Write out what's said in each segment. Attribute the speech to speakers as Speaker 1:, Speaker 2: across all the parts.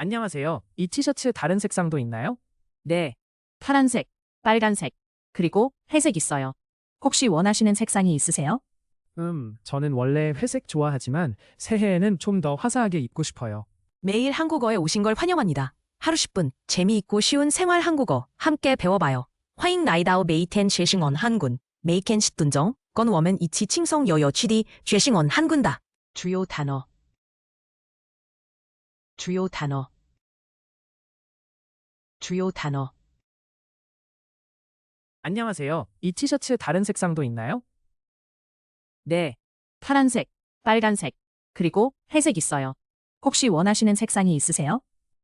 Speaker 1: 안녕하세요. 이 티셔츠 다른 색상도 있나요?
Speaker 2: 네. 파란색, 빨간색, 그리고 회색 있어요. 혹시 원하시는 색상이 있으세요?
Speaker 1: 저는 원래 회색 좋아하지만 새해에는 좀 더 화사하게 입고 싶어요.
Speaker 2: 매일 한국어에 오신 걸 환영합니다. 하루 10분, 재미있고 쉬운 생활 한국어 함께 배워봐요. 화잉 나이다오 메이텐 쉐싱언 한군, 메이켄 시둔정, 건워men 이치 칭송 여여 취디 쉐싱언 한군다. 주요 단어. 주요 단어. 주요 단어.
Speaker 1: 안녕하세요. 이 티셔츠 다른 색상도 있나요?
Speaker 2: 네. 파란색, 빨간색, 그리고 회색 있어요. 혹시 원하시는 색상이 있으세요?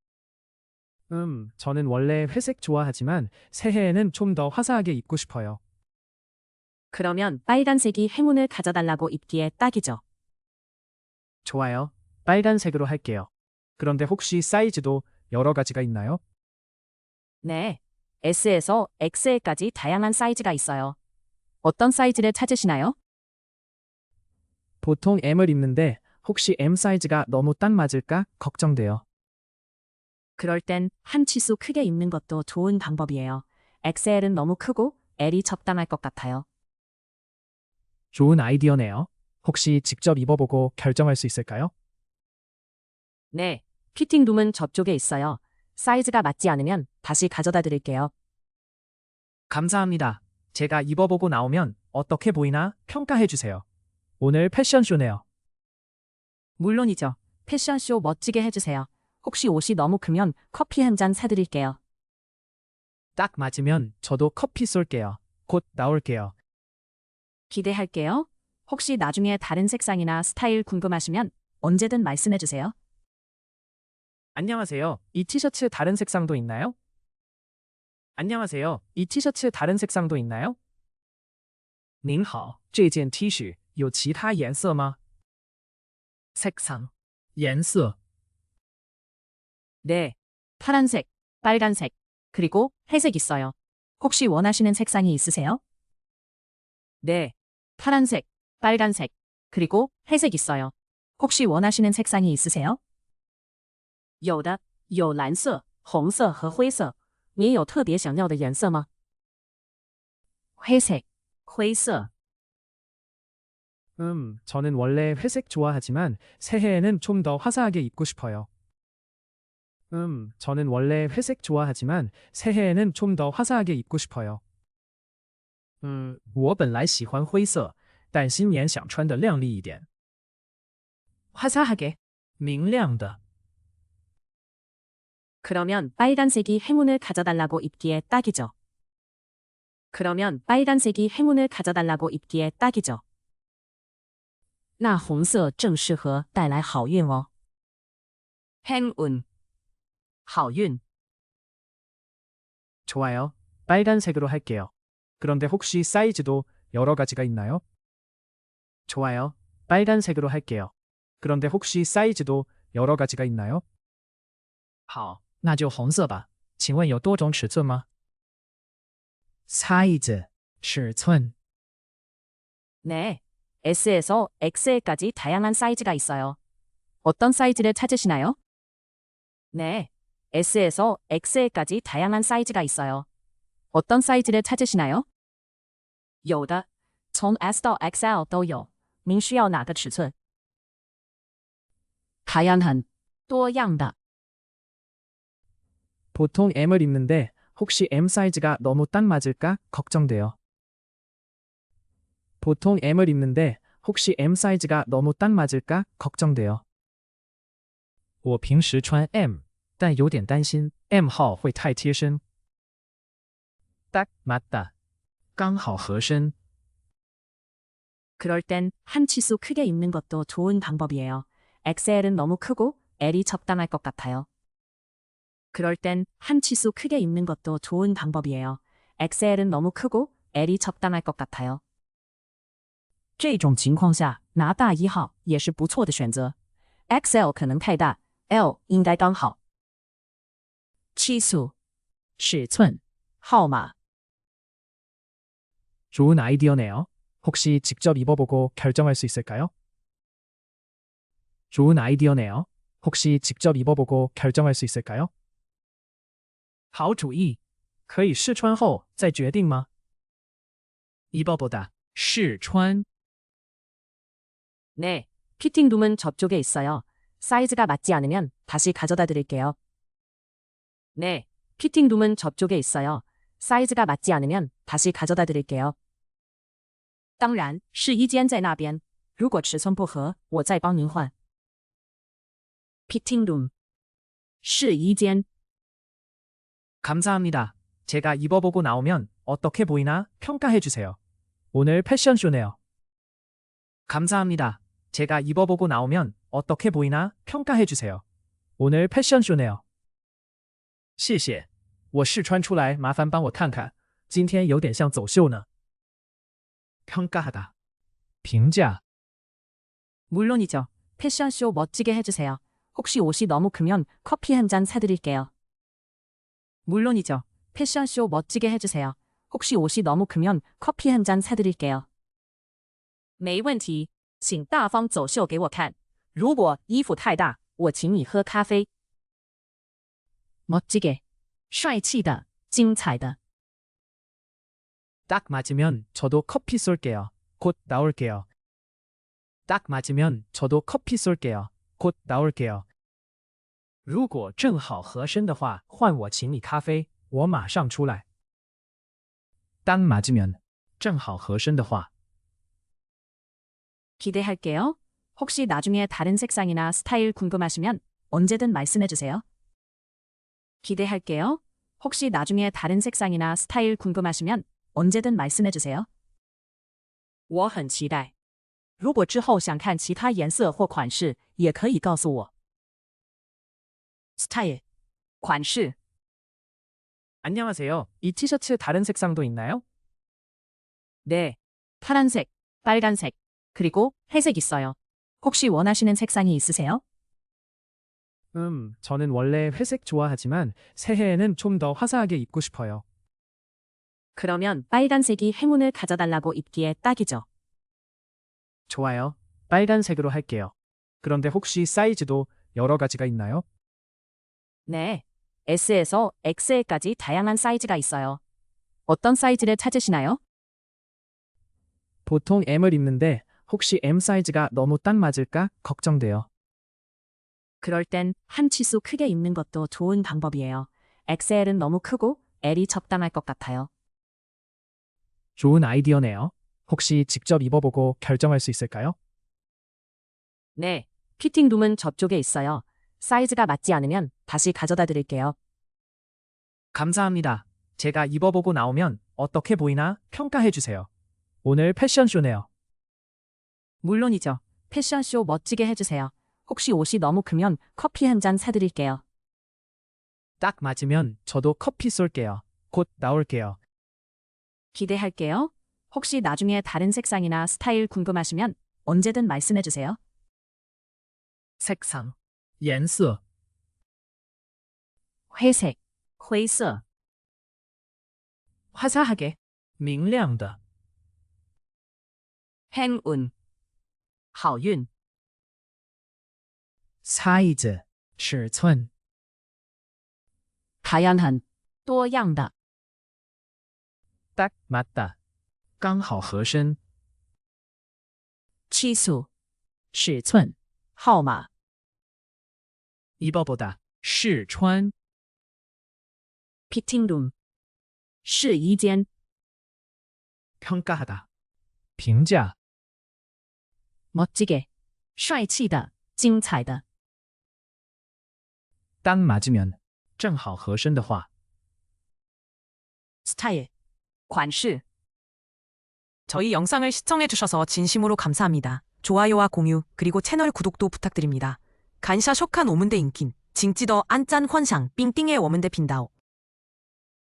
Speaker 1: 저는 원래 회색 좋아하지만 새해에는 좀 더 화사하게 입고 싶어요.
Speaker 2: 그러면 빨간색이 행운을 가져달라고 입기에 딱이죠.
Speaker 1: 좋아요. 빨간색으로 할게요. 그런데 혹시 사이즈도 여러 가지가 있나요?
Speaker 2: 네. S에서 XL까지 다양한 사이즈가 있어요. 어떤 사이즈를 찾으시나요?
Speaker 1: 보통 M을 입는데 혹시 M 사이즈가 너무 딱 맞을까 걱정돼요.
Speaker 2: 그럴 땐 한 치수 크게 입는 것도 좋은 방법이에요. XL은 너무 크고 L이 적당할 것 같아요.
Speaker 1: 좋은 아이디어네요. 혹시 직접 입어보고 결정할 수 있을까요?
Speaker 2: 네. 피팅룸은 저쪽에 있어요. 사이즈가 맞지 않으면 다시 가져다 드릴게요.
Speaker 1: 감사합니다. 제가 입어보고 나오면 어떻게 보이나 평가해 주세요. 오늘 패션쇼네요.
Speaker 2: 물론이죠. 패션쇼 멋지게 해주세요. 혹시 옷이 너무 크면 커피 한 잔 사드릴게요.
Speaker 1: 딱 맞으면 저도 커피 쏠게요. 곧 나올게요.
Speaker 2: 기대할게요. 혹시 나중에 다른 색상이나 스타일 궁금하시면 언제든 말씀해주세요.
Speaker 1: 안녕하세요. 이 티셔츠 다른 색상도 있나요? 안녕하세요. 이 티셔츠 다른 색상도 있나요? 您好，这件 T 恤有其他颜色吗？ 색상, 颜色.
Speaker 2: 네. 파란색, 빨간색, 그리고 회색 있어요. 혹시 원하시는 색상이 있으세요? 네. 파란색, 빨간색, 그리고 회색 있어요. 혹시 원하시는 색상이 있으세요? 有的，有蓝色、红色和灰色。你有特别想要的颜色吗？ 회색, 灰色。
Speaker 1: 저는 원래 회색 좋아하지만 새해에는 좀 더 화사하게 입고 싶어요. 저는 원래 회색 좋아하지만 새해에는 좀 더 화사하게 입고 싶어요. 我本来喜欢灰色，但新年想穿得亮丽一点。
Speaker 2: 화사하게.
Speaker 1: 明亮的.
Speaker 2: 그러면 빨간색이 행운을 가져달라고 입기에 딱이죠. 그러면 빨간색이 행운을 가져달라고 입기에 딱이죠. 那红色正适合带来好运哦。 행운, 好运.
Speaker 1: 좋아요. 빨간색으로 할게요. 그런데 혹시 사이즈도 여러 가지가 있나요? 좋아요. 빨간색으로 할게요. 그런데 혹시 사이즈도 여러 가지가 있나요? 好，那就红色吧。请问有多种尺寸吗？ 사이즈, 尺寸.
Speaker 2: 네. S에서 XL까지 다양한 사이즈가 있어요. 어떤 사이즈를 찾으시나요? 네. S에서 XL까지 다양한 사이즈가 있어요. 어떤 사이즈를 찾으시나요? 有的，从 S 到 XL 都有。您需要哪个尺寸？ 다양한, 多样的。
Speaker 1: 보통 M을 입는데 혹시 M 사이즈가 너무 딱 맞을까 걱정돼요. 보통 M을 입는데 혹시 M 사이즈가 너무 딱 맞을까 걱정돼요. 我平时穿 M，但有点担心 M 号会太贴身。 딱 맞다. 刚好合身.
Speaker 2: 그럴 땐 한 치수 크게 입는 것도 좋은 방법이에요. XL은 너무 크고 L이 적당할 것 같아요. 그럴 땐 한 치수 크게 입는 것도 좋은 방법이에요. XL은 너무 크고 L이 적당할 것 같아요. 这种情况下拿大一号也是不错的选择。XL 可能太大， L 应该刚好。치수，尺寸，号码。
Speaker 1: 좋은 아이디어네요. 혹시 직접 입어보고 결정할 수 있을까요? 좋은 아이디어네요. 혹시 직접 입어보고 결정할 수 있을까요? 好主意，可以试穿后再决定吗？ 입어보다, 试穿.
Speaker 2: 네, 피팅룸은 저쪽에 있어요. 사이즈가 맞지 않으면 다시 가져다 드릴게요. 네, 피팅룸은 저쪽에 있어요. 사이즈가 맞지 않으면 다시 가져다 드릴게요. 当然，试衣间在那边。如果尺寸不合，我再帮您换。피팅 룸, 试衣间.
Speaker 1: 감사합니다. 제가 입어보고 나오면 어떻게 보이나 평가해 주세요. 오늘 패션쇼네요. 감사합니다. 제가 입어보고 나오면 어떻게 보이나 평가해 주세요. 오늘 패션쇼네요. 谢谢，我试穿出来，麻烦帮我看看。今天有点像走秀呢。 평가하다, 评价.
Speaker 2: 물론이죠. 패션쇼 멋지게 해주세요. 혹시 옷이 너무 크면 커피 한 잔 사드릴게요. 물론이죠. 패션쇼 멋지게 해주세요. 혹시 옷이 너무 크면 커피 한 잔 사드릴게요. 没问题，请大方走秀给我看。如果衣服太大，我请你喝咖啡。 멋지게, 帅气的，精彩的。
Speaker 1: 딱 맞으면 저도 커피 쏠게요. 곧 나올게요. 딱 맞으면 저도 커피 쏠게요. 곧 나올게요. 如果正好合身的话，换我请你咖啡，我马上出来。딱 맞으면 正好合身的话.
Speaker 2: 기대할게요. 혹시 나중에 다른 색상이나 스타일 궁금하시면 언제든 말씀해주세요. 기대할게요. 혹시 나중에 다른 색상이나 스타일 궁금하시면 언제든 말씀해주세요. 我很期待。如果之后想看其他颜色或款式，也可以告诉我。스타일, 款式.
Speaker 1: 안녕하세요. 이 티셔츠 다른 색상도 있나요?
Speaker 2: 네, 파란색, 빨간색, 그리고 회색 있어요. 혹시 원하시는 색상이 있으세요?
Speaker 1: 저는 원래 회색 좋아하지만 새해에는 좀 더 화사하게 입고 싶어요.
Speaker 2: 그러면 빨간색이 행운을 가져달라고 입기에 딱이죠.
Speaker 1: 좋아요. 빨간색으로 할게요. 그런데 혹시 사이즈도 여러 가지가 있나요?
Speaker 2: 네, S에서 XL까지 다양한 사이즈가 있어요. 어떤 사이즈를 찾으시나요?
Speaker 1: 보통 M을 입는데 혹시 M 사이즈가 너무 딱 맞을까 걱정돼요.
Speaker 2: 그럴 땐 한 치수 크게 입는 것도 좋은 방법이에요. XL은 너무 크고 L이 적당할 것 같아요.
Speaker 1: 좋은 아이디어네요. 혹시 직접 입어보고 결정할 수 있을까요?
Speaker 2: 네, 피팅룸은 저쪽에 있어요. 사이즈가 맞지 않으면 다시 가져다 드릴게요.
Speaker 1: 감사합니다. 제가 입어보고 나오면 어떻게 보이나 평가해 주세요. 오늘 패션쇼네요.
Speaker 2: 물론이죠. 패션쇼 멋지게 해주세요. 혹시 옷이 너무 크면 커피 한 잔 사드릴게요.
Speaker 1: 딱 맞으면 저도 커피 쏠게요. 곧 나올게요.
Speaker 2: 기대할게요. 혹시 나중에 다른 색상이나 스타일 궁금하시면 언제든 말씀해주세요.
Speaker 1: 색상, 颜色.
Speaker 2: 회색, 灰色.
Speaker 1: 화사하게, 明亮的.
Speaker 2: 행운, 好运.
Speaker 1: 사이즈, 尺寸.
Speaker 2: 다양한, 多样的.
Speaker 1: 딱 맞다, 刚好合身.
Speaker 2: 치수, 尺寸, 号码.
Speaker 1: 입어보다, 试穿.
Speaker 2: 피팅룸, 试衣间.
Speaker 1: 평가하다, 评价.
Speaker 2: 멋지게, 帅气的,精彩的.
Speaker 1: 딱 맞으면, 正好合身的话.
Speaker 2: 스타일, 款式.
Speaker 3: 저희 영상을 시청해주셔서 진심으로 감사합니다. 좋아요와 공유, 그리고 채널 구독도 부탁드립니다. 간샤 쇼칸 오문대 인킨, 징찌더 안짠 환상, 삥띵의 워문대 빈다오.